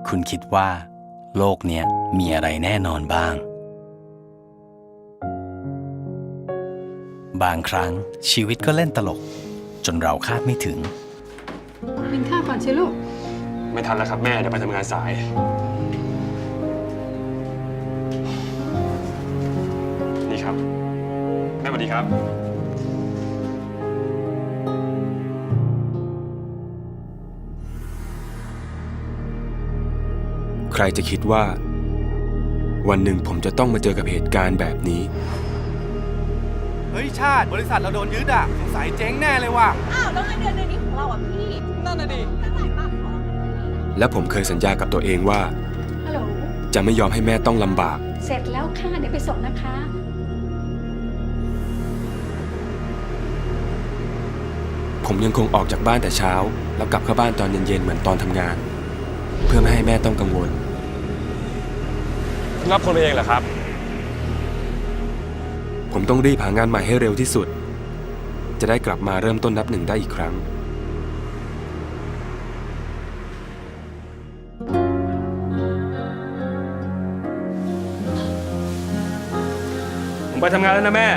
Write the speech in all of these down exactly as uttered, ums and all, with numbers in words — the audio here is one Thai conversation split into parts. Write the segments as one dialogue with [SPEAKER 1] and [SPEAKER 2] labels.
[SPEAKER 1] คุณคิดว่าโลกเนี้ยมีอะไรแน่นอนบ้าง บางครั้งชีวิตก็เล่นตลกจนเราคาดไม่ถึง
[SPEAKER 2] กินข้าวก่อนสิลูก
[SPEAKER 3] ไม่ทันแล้วครับแม่เดี๋ยวไปทำงานสายนี่ครับแม่สวัสดีครับ
[SPEAKER 4] ใครจะคิดว่าวันหนึ่งผมจะต้องมาเจอกับเหตุการณ์แบบนี้
[SPEAKER 5] เฮ้ยชาติบริษัทเราโดนยึดอ่ะสงสัยเจ๊งแน่เลยว่ะ
[SPEAKER 6] อ้าวแล้วเงินเดือนเดือนนี้ของเราอ่ะพี่
[SPEAKER 5] นั่นน่ะดิ
[SPEAKER 6] ตั้งหลายบาทพอ
[SPEAKER 4] และผมเคยสัญญากับตัวเองว่า
[SPEAKER 2] ฮัลโหล
[SPEAKER 4] จะไม่ยอมให้แม่ต้องลำบาก
[SPEAKER 2] เสร็จแล้วค่ะเดี๋ยวไปส่งนะคะ
[SPEAKER 4] ผมยังคงออกจากบ้านแต่เช้าแล้วกลับเข้าบ้านตอนเย็นๆเหมือนตอนทำงานเพื่อไม่ให้แม่ต้องกังวล
[SPEAKER 3] รับคนเองเหรอครับ
[SPEAKER 4] ผมต้องรีบหางานใหม่ให้เร็วที่สุดจะได้กลับมาเริ่มต้นนับหนึ่งได้อีกครั้ง
[SPEAKER 3] ผมไปทำงานแล้วนะแม่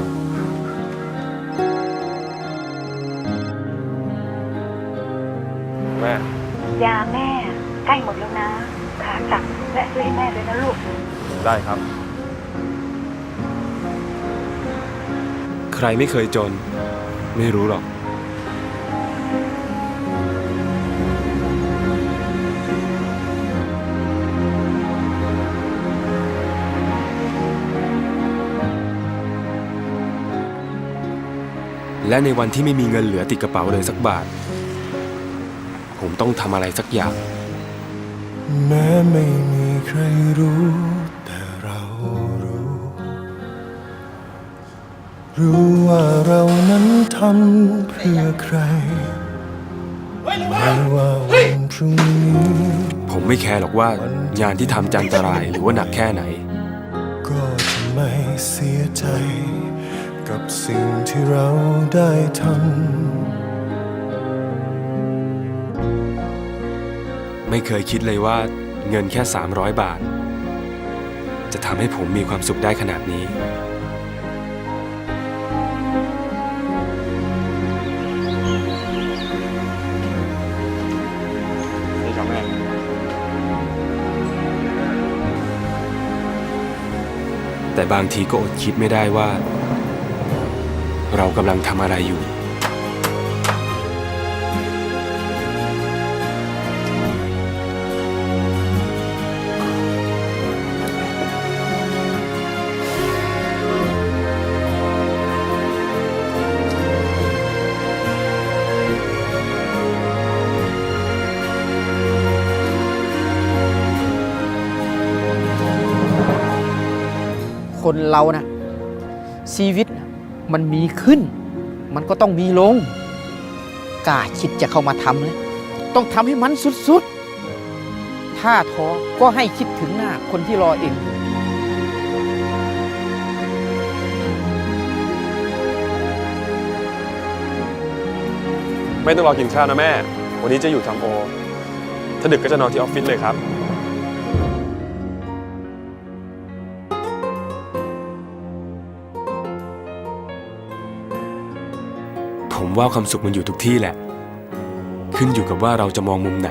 [SPEAKER 3] แม่
[SPEAKER 6] ยาแม่ใกล้หมดแล้วนะขากลับและซื้อให้แม่ด้วยนะลูก
[SPEAKER 3] ได้ครับ
[SPEAKER 4] ใครไม่เคยจนไม่รู้หรอกและในวันที่ไม่มีเงินเหลือติดกระเป๋าเลยสักบาทผมต้องทำอะไรสักอย่าง
[SPEAKER 7] แม้ไม่มีใครรู้แต่เรารู้รู้ว่าเรานั้นทำเพื่อใครไม่ว่าวันพรุ่งนี้
[SPEAKER 4] ผมไม่แคร์หรอกว่างานที่ทำจะอันตรายหรือว่าหนักแค่ไหน
[SPEAKER 7] ก็จะไม่เสียใจกับสิ่งที่เราได้ทำ
[SPEAKER 4] ไม่เคยคิดเลยว่าเงินแค่สามร้อยบาทจะทำให้ผมมีความสุขได้ขนาดนี้
[SPEAKER 3] นี่ครับแม่
[SPEAKER 4] แต่บางทีก็อดคิดไม่ได้ว่าเรากำลังทำอะไรอยู่
[SPEAKER 8] คนเรานะชีวิตมันมีขึ้นมันก็ต้องมีลงกล้าคิดจะเข้ามาทำเลยต้องทำให้มันสุดๆถ้าท้อก็ให้คิดถึงหน้าคนที่รอเอง
[SPEAKER 3] ไม่ต้องรอกินข้าวนะแม่วันนี้จะอยู่ทำโอถ้าดึกก็จะนอนที่ออฟฟิศเลยครับ
[SPEAKER 4] ผมว่าความสุขมันอยู่ทุกที่แหละขึ้นอยู่กับว่าเราจะมองมุมไหน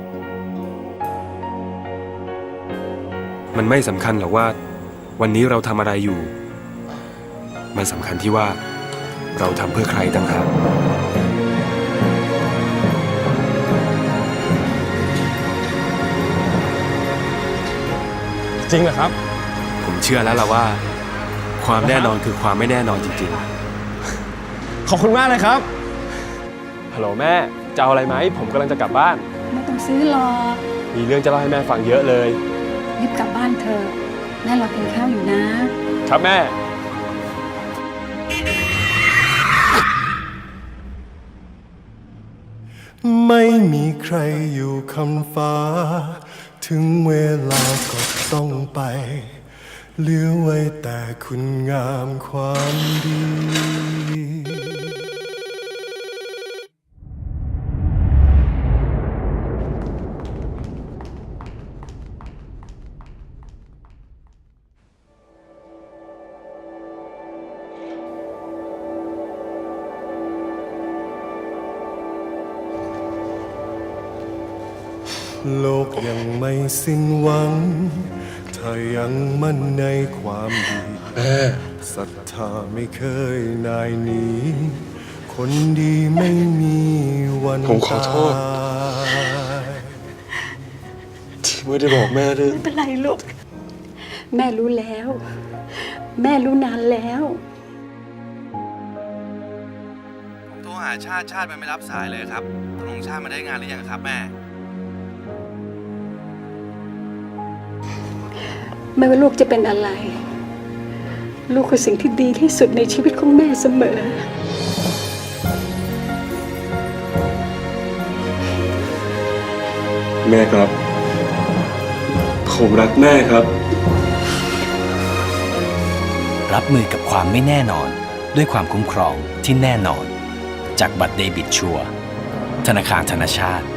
[SPEAKER 4] มันไม่สำคัญหรอกว่าวันนี้เราทำอะไรอยู่มันสำคัญที่ว่าเราทำเพื่อใครต่างหาก
[SPEAKER 3] จริงเหรอครับ
[SPEAKER 4] ผมเชื่อแล้วล่ะว่าความแน่นอนคือความไม่แน่นอนจริงๆ
[SPEAKER 3] ขอบคุณมากเลยครับฮัลโหลแม่จะเอาอะไรไหมผมกำลังจะกลับบ้าน
[SPEAKER 2] ไม่ต้องซื้อหรอก
[SPEAKER 3] มีเรื่องจะเล่าให้แม่ฟังเยอะเลย
[SPEAKER 2] รีบกลับบ้านเถอะแม่รอกินข้าวอยู่นะครับ
[SPEAKER 3] แม่
[SPEAKER 7] ไม่มีใครอยู่คำฟ้าถึงเวลาก็ต้องไปเหลือไว้แต่คุณงามความดีโลกยังไม่สิ้นหวัง ถ้ายังมั่นในความดีศรัทธาไม่เคยนายหนีคนดีไม่มีวัน
[SPEAKER 4] ผมขอโทษ
[SPEAKER 7] ตาย
[SPEAKER 4] ที่ไม่ได้บอกแม่ด้วย
[SPEAKER 2] ไม่เป็นไรลูก แม่รู้แล้ว แม่รู้นานแล้ว
[SPEAKER 5] ผมโทรหาชาติชาติมันไม่รับสายเลยครับตกลงชาติมาได้งานหรือยังครับแม่
[SPEAKER 2] ไม่ว่าลูกจะเป็นอะไร ลูกคือสิ่งที่ดีที่สุดในชีวิตของแม่เสมอ
[SPEAKER 4] แม่ครับ ผมรักแม่ครับ
[SPEAKER 1] รับมือกับความไม่แน่นอนด้วยความคุ้มครองที่แน่นอน จากบัตรเดบิตชัวร์ธนาคารธนชาติ